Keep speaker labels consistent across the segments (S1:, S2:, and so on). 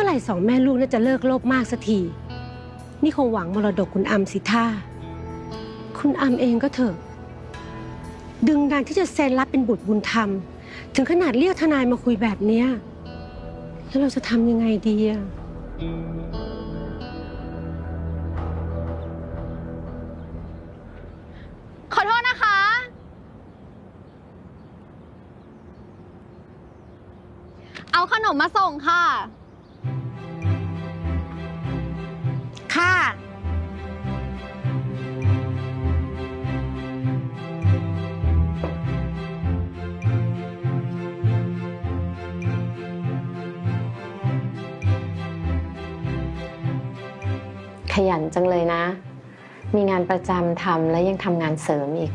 S1: ไหร่สองแม่ลูกน่าจะเลิกโลภมากสักทีนี่คงหวังมรดกคุณอำสิท่าคุณอำเองก็เถอะดึงดันที่จะเซ็นรับเป็นบุตรบุญธรรมถึงขนาดเรียกทนายมาคุยแบบเนี้ยแล้วเราจะทำยังไงดีอะ
S2: ขอโทษนะคะเอาขนมมาส่งค่ะ
S1: ค่ะ
S3: ขยันจังเลยนะ มีงานประจำทำและยังทำงานเสริมอีก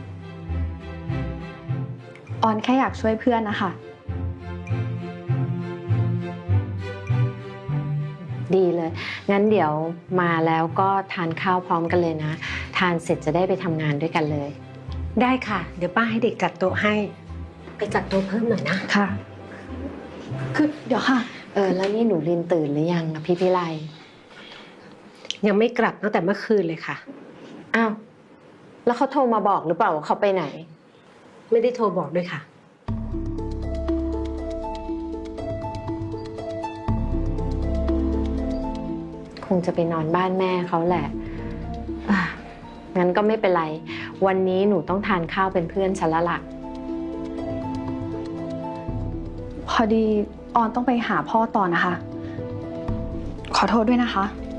S4: ออนแค่อยากช่วยเพื่อนนะคะ
S3: ดีเลย งั้นเดี๋ยวมาแล้วก็ทานข้าวพร้อมกันเลยนะ ทานเสร็จจะได้ไปทำงานด้วยกันเลย
S1: ได้ค่ะเดี๋ยวป้าให้เด็กจัดโต๊ะให้ไปจัดโต๊ะเพิ่มหน่อยนะ
S4: ค่ะ คือเดี๋ยวค่ะ
S3: แล้วนี่หนูลินตื่นหรือยังอะพี่พิไล
S1: ยังไม่กลับตั้งแต่เมื่อคืนเลยค่ะ
S3: อ้าว แล้วเขาโทรมาบอกหรือเปล่าว่าเขาไปไหน
S1: ไม่ได้โทรบอกด้วยค่ะ
S3: คงจะไปนอนบ้านแม่เขาแหละงั้นก็ไม่เป็นไร วันนี้หนูต้องทานข้าวเป็นเพื่อนฉันละล่ะ
S4: พอดีออนต้องไปหาพ่อต่อนะคะ ขอโทษด้วยนะคะ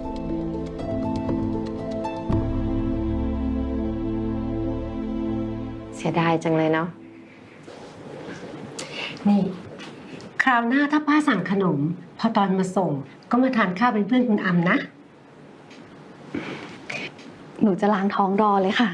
S3: เสียดายจังเลยเนาะ
S1: นี่คราวหน้าถ้าป้าสั่งขนมพอตอนมาส่งก็มาทานข้าวเป็นเพื่อนคุณอำนะ
S4: หนูจะล้างท้องรอเลยค่ะ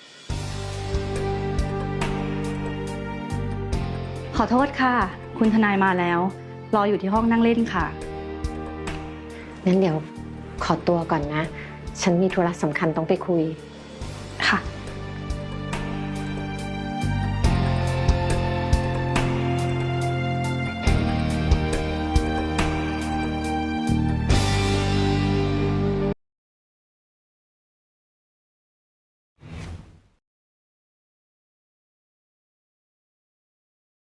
S4: ขอโทษค่ะ คุณทนายมาแล้ว รออยู่ที่ห้องนั่งเล่นค่ะ
S3: งั้นเดี๋ยวขอตัวก่อนนะ ฉันมีธุระสำคัญต้องไปคุย